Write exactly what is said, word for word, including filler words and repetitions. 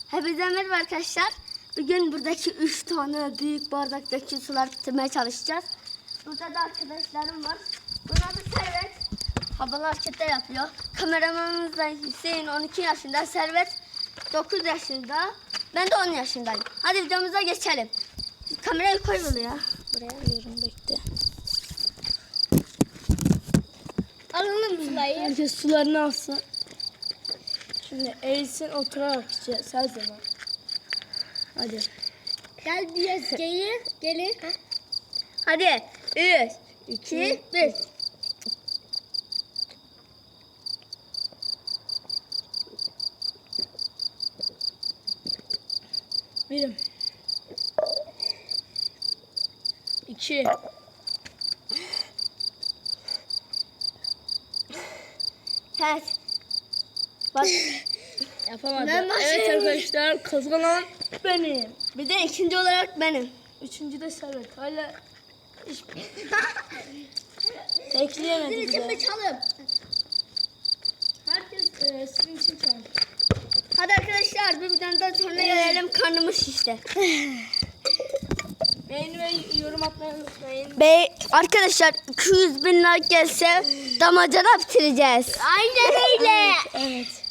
Hepinize merhaba arkadaşlar. Bugün buradaki üç tane büyük bardaktaki sular bitirmeye çalışacağız. Burada da arkadaşlarım var. Bunlar da Servet. Havalı hareketler yapıyor. Kameramanımız da Hüseyin on iki yaşında. Servet dokuz yaşında. Ben de on yaşındayım. Hadi videomuza geçelim. Kamerayı koy buraya. Buraya alıyorum, bekle. Alalım sulayı. Herkes sularını alsın. Şimdi eğilsin, oturarak içeceğiz her zaman. Hadi. Gel biraz gelin. Gelin. Hadi. Üç, iki, bir. Birim. İki. Ters. Bak. Yapamadım. Ben başlayayım. Evet arkadaşlar, kazanan benim. Bir de ikinci olarak benim. Üçüncü de Servet. Hala iş... Bekleyemedi Sizin bir için de. bir çalım. Herkes e, sizin için çalın. Hadi arkadaşlar bir videodan sonra gelelim, karnımız şişti. Beğeni ve yorum atmayı unutmayın. Be arkadaşlar iki yüz bin like gelse damacana bitireceğiz. Aynen öyle. Evet.